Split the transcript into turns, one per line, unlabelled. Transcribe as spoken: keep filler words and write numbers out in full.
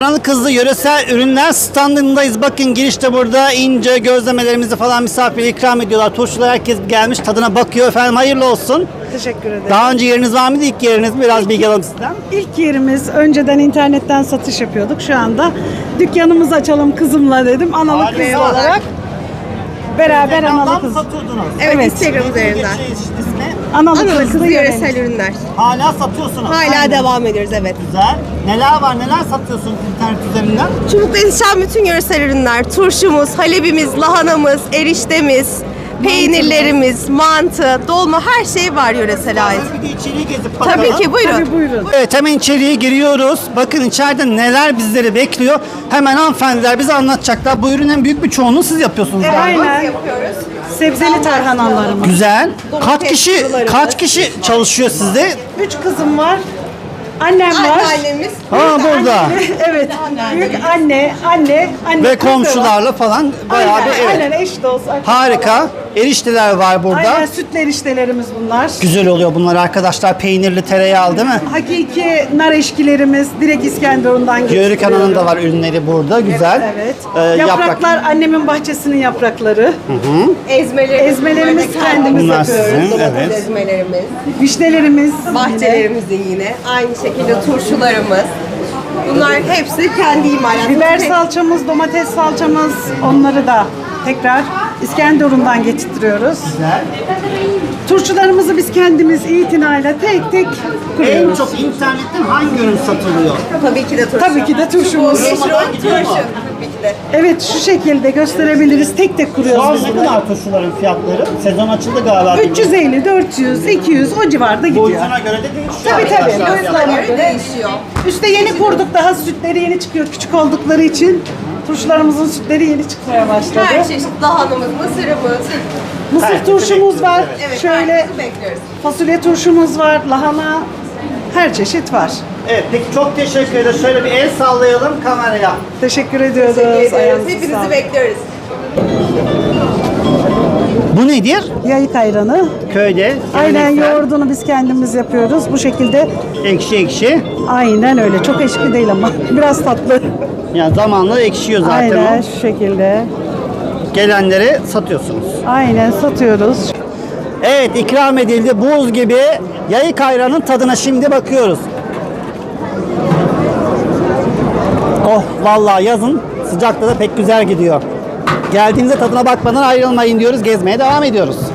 Kızlı yöresel ürünler standındayız. Bakın girişte burada ince gözlemelerimizi falan misafire ikram ediyorlar. Turşular herkes gelmiş tadına bakıyor. Efendim hayırlı olsun.
Teşekkür ederim.
Daha önce yeriniz var mıydı? İlk yeriniz mi? Biraz bilgi alalım sizden.
İlk yerimiz önceden internetten satış yapıyorduk. Şu anda dükkanımızı açalım kızımla dedim. Analı kızlı
Harika.
olarak beraber
Instagram'dan
analı kız.
satıyordunuz.
Evet,
Evet.
Instagram üzerinden.
Geçiyor ismi.
Analı
Analı
kızlı
kızlı
yöresel.
yöresel ürünler.
Hala satıyorsunuz.
Hala
Aynen.
devam ediyoruz, evet.
Güzel. Neler var? Neler satıyorsunuz internet üzerinden?
Çubuk'ta yetişen bütün yöresel ürünler, turşumuz, halebimiz, lahanamız, eriştemiz, peynirlerimiz, mantı, dolma her şey var yöresele ait.
Bir de içeriği gezip bakalım.
Tabii ki, buyurun.
Tabii buyurun.
Evet, hemen içeriye giriyoruz. Bakın içeride neler bizleri bekliyor. Hemen hanımefendiler bize anlatacaklar. Bu ürünün büyük bir çoğunluğu siz yapıyorsunuz galiba.
Aynen.
Yapıyoruz.
Sebzeli tarhanalarımız.
Güzel. Kaç
Domates
kişi
sularımız.
kaç kişi çalışıyor sizde?
Üç kızım var. Annem var.
Anneannemiz.
Ha burada.
Evet. Büyük anne, anne, anne.
Ve
kızı var.
komşularla falan bayağı
Aynen,
bir evet.
aynen eş dost. akraba.
Harika. Erişteler var burada.
Aynen sütler eriştelerimiz bunlar.
Güzel oluyor bunlar arkadaşlar. Peynirli, tereyağlı değil mi?
Hakiki nar eşkilerimiz direkt İskenderun'dan
Yörük
getiriyoruz.
Ana'nın da var ürünleri burada. Güzel.
Evet.
Ee,
Yapraklar annemin bahçesinin yaprakları.
Ezmelerimiz.
Ezmelerimiz kendimiz
Bunlar
yapıyoruz.
sizin,
Domates
evet.
ezmelerimiz.
Vişnelerimiz.
Bahçelerimizin yine. Aynı şekilde turşularımız. Bunlar hepsi kendi imalatımız.
Biber salçamız, domates salçamız onları da tekrar İskenderun'dan getirtiyoruz.
Güzel.
Turşularımızı biz kendimiz itinayla tek tek
En
kuruyoruz.
çok internetten hangi ürün satılıyor?
Tabii ki de turşu.
Tabii ki de turşumuz.
Meşhur
Gidiyor mu?
turşu. Tabii ki de.
Evet şu şekilde gösterebiliriz. Tek tek
Şu
kuruyoruz
an
biz
ne
bunları.
kadar turşuların fiyatları? Sezon açıldı galiba.
üç yüz elli, dört yüz, iki yüz o civarda gidiyor.
Boyutuna göre de değişiyor.
Tabii tabii.
arkadaşlar.
Boyutlarına
Göre
göre.
değişiyor.
Üste yeni kurduk, daha sütleri yeni çıkıyor küçük oldukları için. Turşularımızın sütleri yeni çıkmaya başladı.
Her çeşit lahanamız, mısırımız.
Mısır
Her
turşumuz var.
Evet,
Şöyle
herkesi bekliyoruz.
fasulye turşumuz var, lahana, her çeşit var.
Evet, peki çok teşekkür ederiz. Şöyle bir el sallayalım kameraya.
Teşekkür ediyoruz.
Teşekkür ediyoruz.
Ayağınıza
Hepinizi
sağlık.
bekliyoruz.
Bu nedir?
Yayık ayranı.
Köyde.
Aynen
geleneksel,
yoğurdunu biz kendimiz yapıyoruz. Bu şekilde
Ekşi ekşi.
aynen öyle. Çok eşki değil ama biraz tatlı.
Yani zamanla ekşiyor zaten
Aynen
o.
şu şekilde.
Gelenleri satıyorsunuz.
Aynen satıyoruz.
Evet, ikram edildi. Buz gibi yayık ayranın tadına şimdi bakıyoruz. Oh, vallahi yazın sıcakta da pek güzel gidiyor. Geldiğinizde tadına bakmadan ayrılmayın diyoruz. Gezmeye devam ediyoruz.